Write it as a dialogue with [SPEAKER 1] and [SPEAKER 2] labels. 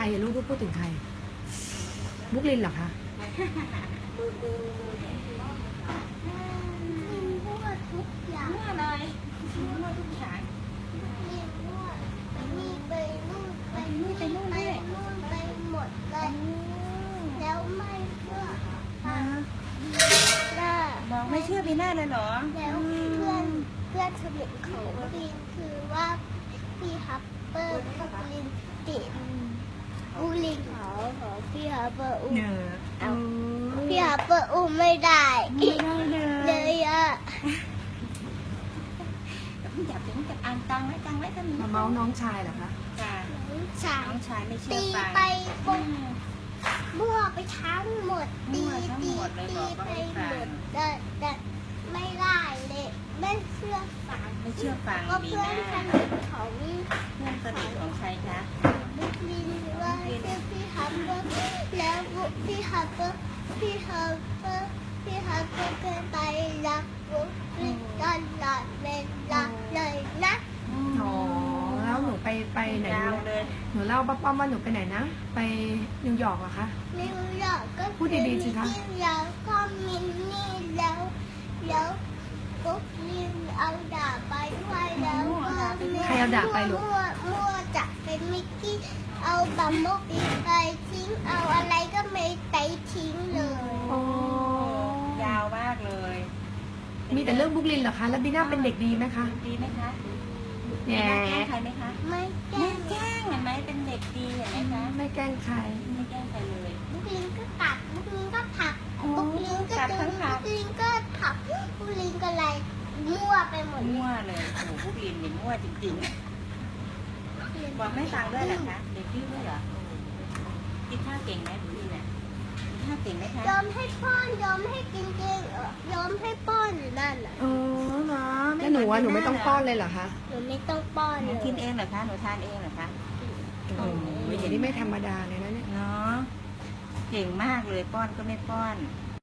[SPEAKER 1] รอะลูกพูดถึงใครบุ๊กลินเหรอคะ
[SPEAKER 2] มั่วทุกอย่างมั่วเลยมั่วทุกอย่างมั่วไปนี่ไปนู่นไปนี่ไปนู่นไปนู่นไปหมดเลยแล้วไม่เชื่อ
[SPEAKER 3] บอกไม่เชื่อพี่หน้าเลยเหรอ
[SPEAKER 2] แล้วเพื่อนสนิทของลินคือว่าพี่ฮับเปอร์กับลินติดอูลิงของพี่ฮับเปอร์อูพี่ฮับเปอร์อูไม่ได้เลยอะ
[SPEAKER 3] จับอ่านตังไว้ก็มี
[SPEAKER 1] มาเมาส์น้องชายเหรอคะ
[SPEAKER 3] น้องชายไม่เชื่อ
[SPEAKER 2] ตีไปปุ๊บมั่วไปทั้งหมดตีไปหมดแต่ไม่ได้เลยไม่เชื่อฟังก็เพื่อนสนิทของ
[SPEAKER 3] ใครคะ
[SPEAKER 2] บุ๊กลินว่าพี่ฮับเปอร์แล้วพี่ฮับเปอร์ก็ไปรักบุ๊กลินตลอดเวลาเลยนะ
[SPEAKER 1] อ๋อแล้วหนูไปไหนหนูเล่าป้าว่าหนูไปไหนนะไปนิวยอร์กเหรอคะ
[SPEAKER 2] นิวยอร์กก็
[SPEAKER 1] พูดดีๆสิคะ
[SPEAKER 2] แล้วก็มินนี่แล้วปุ๊บลินเอาดาบไปด้วยแล้ว
[SPEAKER 1] ใครเอาดาบไปลูก
[SPEAKER 2] มั่วจะเป็นมิกกี้เอาบัมโบบีไปทิ้งเอาอะไรก็ไม่ไปทิ้งเลย
[SPEAKER 3] ยาวมากเลย
[SPEAKER 1] มีแต่เรื่องบุ๊กลินเหรอคะแล้วบีน่าเป็นเด็กดีไหมคะ
[SPEAKER 3] ดีไหมคะ
[SPEAKER 1] แง่
[SPEAKER 3] แกล้งใครไหมคะ
[SPEAKER 2] ไม่แกล้ง
[SPEAKER 3] เห็นไหมเป็นเด็กดีเห็นไหมคะ
[SPEAKER 1] ไม่แกล้งใคร
[SPEAKER 3] เลย
[SPEAKER 2] บุ๊กลินก็ตัดบุ๊กลินก็ผักบุ๊กลินก็ดึงบุ๊กลินก็ผักบุ๊กลินก็อะไรมั่วไปหมด
[SPEAKER 3] มั่วเลยโอ้โหบุ๊กลินนี่มั่วจริงๆบอกไม่ฟังด้วยเหรอคะเด็กดื้อด้วยเหรอกินข้าวเก่งไหมบุ๊กลินเนี่ยกินข้าวเก่งไหมคะ
[SPEAKER 2] ยอมให้ป้อนยอมให้กินเก่งยอมให้ป้อนอยู่นั่นแหละ
[SPEAKER 1] แล้วหนูไม่ต้องป้อนเลยเหรอคะ
[SPEAKER 2] หนูไม่ต้องป้อน
[SPEAKER 3] หนูกินเองเหรอคะหนูทานเองเหรอคะ
[SPEAKER 1] โอ้ยนี่ไม่ธรรมดาเลยนะเนี่ย
[SPEAKER 3] เนาะเก่งมากเลยป้อนก็ไม่ป้อน